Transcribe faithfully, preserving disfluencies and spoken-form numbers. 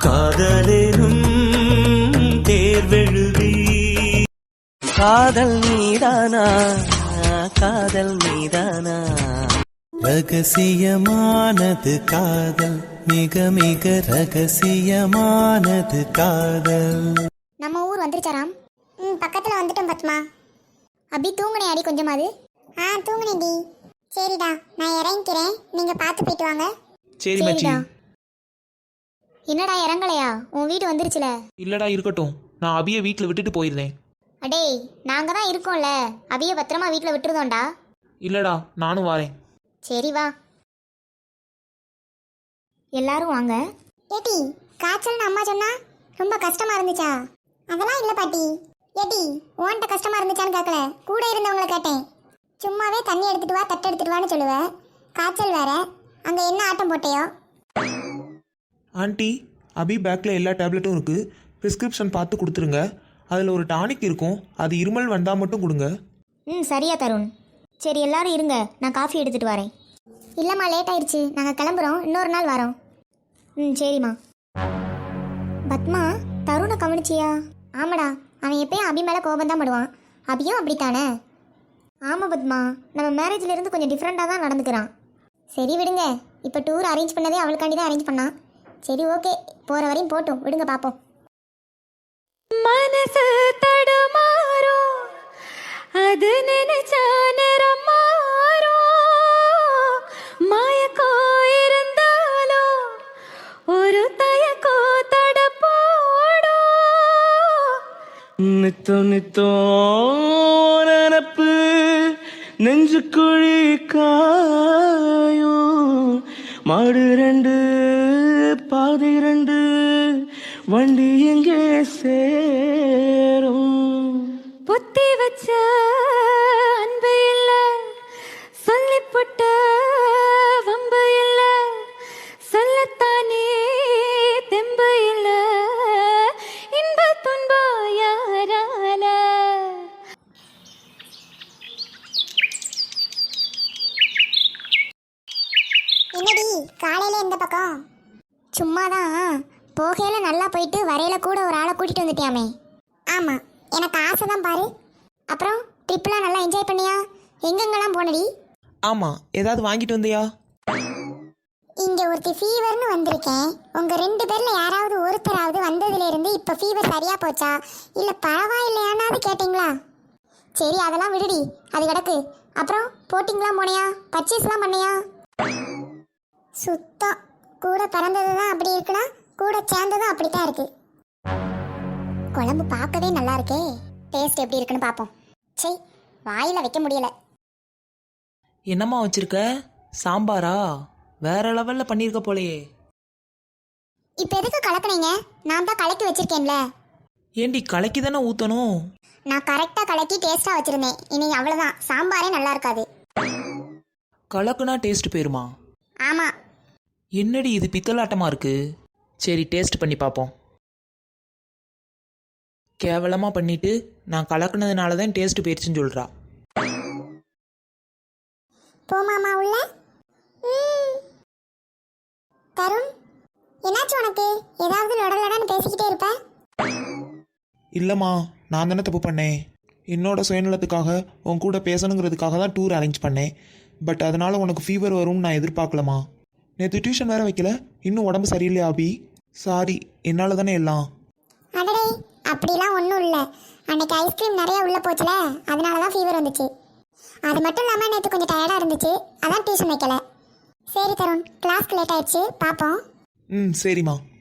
காதலேனும் தேர்வெழுதி காதல் மீதானா காதல் மீதானா ரகசியமானது காதல் மிக மிக ரகசியமானது காதல். நம்ம ஊர் வந்துருச்சாராம். ம் பக்கத்தில் வந்துட்டோம் பத்மா. அபி தூங்குனே அடி கொஞ்சமாவது. ஆ தூங்குனேடி. சரிடா நான் இறங்கிக்கிறேன், நீங்கள் பார்த்து போயிட்டு வாங்க. சரி மச்சி. என்னடா இறங்கலையா? உன் வீடு வந்துருச்சுல. இல்லடா இருக்கட்டும், நான் அபியை வீட்டில் விட்டுட்டு போயிருந்தேன். அடேய் நாங்கள் தான் இருக்கோம்ல, அபியை பத்திரமா வீட்டில் விட்டுருதோண்டா. இல்லடா நானும் வரேன். சரி வா எல்லாரும் வாங்க. ஏட்டி காய்ச்சல்னு அம்மா சொன்னா ரொம்ப கஷ்டமா இருந்துச்சா? அதெல்லாம் இல்லை பாட்டி. ஏட்டி உன்கிட்ட கஷ்டமா இருந்துச்சான்னு கேட்கல, கூட இருந்தவங்களை கேட்டேன். சும்மாவே தண்ணி எடுத்துட்டு வா தட்டு எடுத்துட்டு வான்னு சொல்லுவேன், காய்ச்சல் வேற. அங்கே என்ன ஆட்டம் போட்டையோ? ஆண்டி, அபி பேக்கில் எல்லா டேப்லெட்டும் இருக்குது, ப்ரிஸ்கிரிப்ஷன் பார்த்து கொடுத்துருங்க. அதில் ஒரு டானிக் இருக்கும், அது இருமல் வந்தால் மட்டும் கொடுங்க. ம் சரியா தருண். சரி எல்லாரும் இருங்க, நான் காஃபி எடுத்துகிட்டு வரேன். இல்லைம்மா லேட் ஆயிடுச்சு, நாங்கள் கிளம்புறோம், இன்னொரு நாள் வரோம். ம் சரிம்மா. பத்மா தருணை கவனிச்சியா? ஆமாடா, அவன் எப்பயும் அபி மேலே கோபம் தான் படுவான், அபியும் அப்படித்தானே? ஆமாம் பத்மா, நம்ம மேரேஜ்லேருந்து கொஞ்சம் டிஃப்ரெண்ட்டாக தான் நடந்துக்கிறான். சரி விடுங்க, இப்போ டூர் அரேஞ்ச் பண்ணதே அவளுக்காண்டி தான் அரேஞ்ச் பண்ணான். சரி ஓகே, போகிற வரையும் போட்டும், விடுங்க பார்ப்போம். மனசு தடுமாறும், அது நினைச்சா நேரம் மாறும். மாயக்கோ இருந்தாலும் ஒரு தயக்கோ தட போடும். நித்தோ நித்தோ நினப்பு நெஞ்சு குழி காயும். மாடு ரெண்டு பாதை ரெண்டு வண்டி எங்கே சேரும். புத்தி வச்ச அன்பு இல்ல, சொல்லிப்புட்ட வம்பு இல்ல, சொல்லத்தானே தெம்பு இல்ல, இன்ப துன்ப யாரால. என்னடி காலையில எந்த பக்கம்? சும்மாதான், போகையில நல்லா போயிட்டு வரையில கூட ஒரு ஆளை கூட்டிட்டு வந்துட்டியாமே. ஆமாம், எனக்கு ஆசை தான் பாரு. அப்புறம் ட்ரிப்லாம் நல்லா என்ஜாய் பண்ணியா? எங்கெங்கெல்லாம் போனடி? ஆமாம், ஏதாவது வாங்கிட்டு வந்தியா? இங்கே ஒருத்தி ஃபீவர்னு வந்திருக்கேன். உங்கள் ரெண்டு பேரில் யாராவது ஒருத்தராவது வந்ததுலேருந்து இப்போ ஃபீவர் சரியாக போச்சா இல்லை பரவாயில்லையானாவது கேட்டிங்களா? சரி அதெல்லாம் விடுடி, அது கிடக்கு. அப்புறம் போட்டிங்லாம் போனியா? பர்ச்சேஸ்லாம் பண்ணியா? சுத்தம், கூட பிறந்தது தான் அப்படி இருக்குன்னா கூட சேர்ந்ததும் அப்படித்தான் இருக்கு. குழம்பு பார்க்கவே நல்லா இருக்கே, டேஸ்ட் எப்படி இருக்குன்னு பார்ப்போம். சரி வாயில் வைக்க முடியல. என்னம்மா வச்சிருக்க? சாம்பாரா? வேற லெவலில் பண்ணியிருக்க போலையே. இப்போ எதுக்கு கலக்குனீங்க? நான் தான் கலக்கி வச்சிருக்கேன்ல. ஏண்டி கலக்கி தானே ஊற்றணும்? நான் கரெக்டாக கலக்கி டேஸ்ட்டாக வச்சுருந்தேன். இன்னைக்கு அவ்வளோதான், சாம்பாரே நல்லா இருக்காது. கலக்குனா டேஸ்ட் போயிருமா? ஆமாம். என்னடி இது பித்தலாட்டமாக இருக்கு? சரி டேஸ்ட் பண்ணி பார்ப்போம். கேவலமாக பண்ணிட்டு நான் கலக்குனதுனால தான் டேஸ்ட் போயிடுச்சுன்னு சொல்கிறா. போமாமா உள்ள. தருண் என்னாச்சு உனக்கு? ஏதாவது லொடலொடன்னு பேசிக்கிட்டே இருப்ப? இல்லைம்மா, நான் தானே தப்பு பண்ணேன். என்னோட சுயநலத்துக்காக உன் கூட பேசணுங்கிறதுக்காக தான் டூர் அரேஞ்ச் பண்ணேன். பட் அதனால் உனக்கு ஃபீவர் வரும்னு நான் எதிர்பார்க்கலம்மா. நேற்று டியூஷன் வேறு வைக்கல, இன்னும் உடம்பு சரியில்லையா அபி? சாரி, என்னால் தானே எல்லாம். அடடே அப்படிலாம் ஒன்றும் இல்லை, அன்னைக்கு ஐஸ்கிரீம் நிறைய உள்ளே போச்சுல, அதனால தான் ஃபீவர் வந்துச்சு. அது மட்டும் இல்லாமல் நேற்று கொஞ்சம் டயர்டாக இருந்துச்சு, அதான் டியூஷன் வைக்கல. சரி தருண், கிளாஸ்க்கு லேட் ஆயிடுச்சு, பார்ப்போம். ம் சரிம்மா.